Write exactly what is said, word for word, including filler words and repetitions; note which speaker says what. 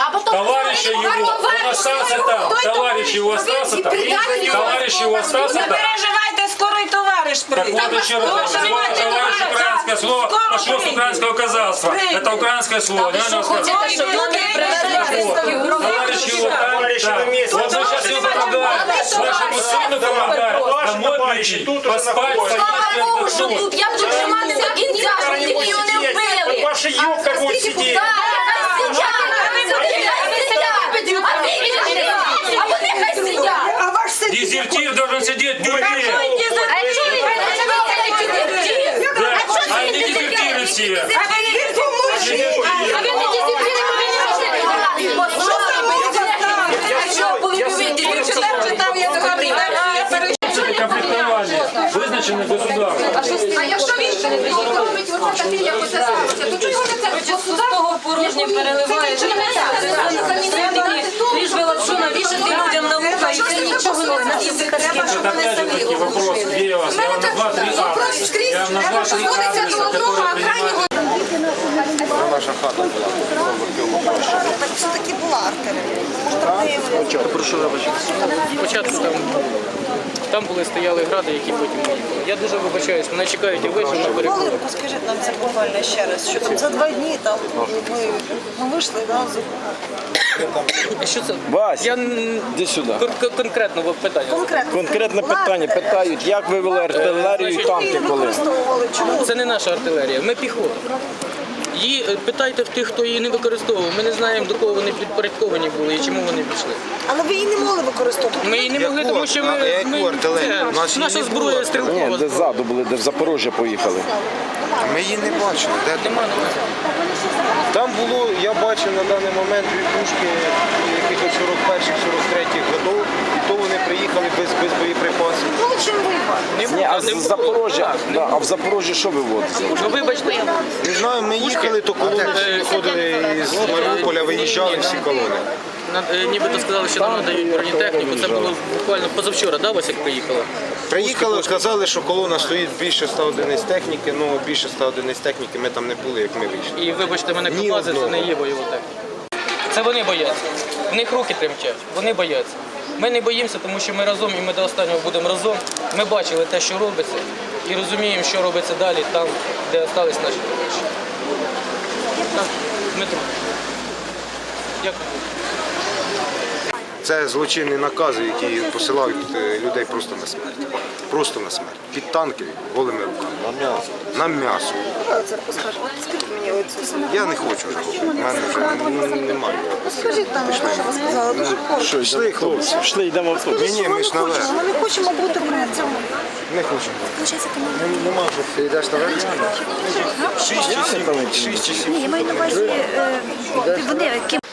Speaker 1: А потом...
Speaker 2: Товарищ его, он остался там. Товарищ его остался там. Товарищ его остался
Speaker 3: Не
Speaker 2: там.
Speaker 3: переживайте, скоро і товариш
Speaker 2: Так
Speaker 3: прийде.
Speaker 2: вот еще раз. Товарищ, украинское слово пошло с украинского казахства. Это украинское слово. Не надо сказать. Товарищ его там. Вот мы сейчас его помогаем. Нашему сыну помогаем. Домой прийти, поспать, поесть,
Speaker 1: Що тут я буду триматися до кінця, щоб тільки його не вбили.
Speaker 4: Ваша юбка будет сидеть.
Speaker 1: А вони хай сидять.
Speaker 2: Дезертир должен сидеть в тюрьме. Да, а не дезертиры все.
Speaker 1: А ви не дезертири,
Speaker 2: Конфликтование визначено государством.
Speaker 1: а якщо він робить оце таке, як оце робиться, то чого його не це государство
Speaker 5: порожнє переливає, лиш би лапшу навішати людям на вуха, і це нічого не значить.
Speaker 2: Это опять же таки вопрос, где я вас? Я вам назвал три адреса. Я вам назвал три адреса, которые принимают.
Speaker 4: Наша хата була.
Speaker 6: Все-таки була артилерія.
Speaker 4: Прошу вибачити.
Speaker 7: Спочатку там, там були стояли гради, які потім виїхали. Я дуже вибачаюсь, мене чекають і вийшов на перекур.
Speaker 6: Хвилинку, скажіть нам це буквально ще раз, що там за два дні там ми, ми вийшли, да, з...
Speaker 7: Що це?
Speaker 8: Вась,
Speaker 7: Я н-
Speaker 8: іди сюди.
Speaker 7: кон- кон- конкретно питання.
Speaker 6: конкретно.
Speaker 8: Конкретне питання питають, як вивели артилерію і танки коли?
Speaker 6: Використовували, чому?
Speaker 7: Це не наша артилерія, ми піхота. Її е, питайте в тих, хто її не використовував. Ми не знаємо, до кого вони підпорядковані були і чому вони пішли.
Speaker 6: Але ви її не могли використовувати.
Speaker 7: Ми її не могли, тому що ми,
Speaker 4: А яку
Speaker 7: ми
Speaker 4: артилерію? У нас
Speaker 7: це,
Speaker 4: її
Speaker 7: наша
Speaker 4: не
Speaker 7: зброя
Speaker 4: було.
Speaker 8: Ні,
Speaker 7: стрілкова.
Speaker 8: де ззаду були, де в Запорожжя поїхали.
Speaker 4: Ми її не бачили. Де там?
Speaker 7: Нема, нема.
Speaker 4: Там було, я бачив на даний момент дві пушки якихось сорок перших сорок третіх годів, і то вони приїхали без, без боєприпасів.
Speaker 6: Ну, чим воювати?
Speaker 7: Не
Speaker 8: Ні, а
Speaker 7: було, не
Speaker 8: з
Speaker 7: було.
Speaker 8: Запорожжя,
Speaker 7: Так, не
Speaker 8: да, а в Запорожжі що виводиться?
Speaker 7: Ну вибачте,
Speaker 4: Не знаю, ми їхали, то колони виходили з Маріуполя, виїжджали всі колони.
Speaker 7: на- е, нібито сказали, що нам надають бронетехніку. Це було буквально позавчора, да, Васик, приїхала?
Speaker 4: Приїхали, сказали, що колона стоїть більше ста одиниць техніки, ну більше ста одиниць техніки ми там не були, як ми вийшли.
Speaker 7: І вибачте мене,
Speaker 4: Ні
Speaker 7: Кобази, це
Speaker 4: одного.
Speaker 7: не є бойова техніка. Це вони бояться. В них руки тремтять, вони бояться. Ми не боїмося, тому що ми разом і ми до останнього будемо разом. Ми бачили те, що робиться, і розуміємо, що робиться далі, там, де залишились наші товариші. Так, Дмитро. Дякую.
Speaker 4: Це злочинні накази, які посилають е, людей просто на смерть. Просто на смерть. Під танки, голими руками. На м'ясо. На м'ясо.
Speaker 6: Це розкажи. От скільки мені оце саме?
Speaker 4: Я не хочу вже говорити. У мене вже ну, немає.
Speaker 6: Скажіть там, що ви сказали, дуже коротко.
Speaker 4: Що, йшли, хлопці?
Speaker 8: Пішли, йдемо в автобус.
Speaker 4: Ні, ні, ми ж наверх.
Speaker 6: Ми не хочемо бути при цьому.
Speaker 4: Не хочемо. Нема вже. Ти йдеш наверх? Шість чи сім. Шість чи сім.
Speaker 9: Ні, я маю на увазі, е, вони,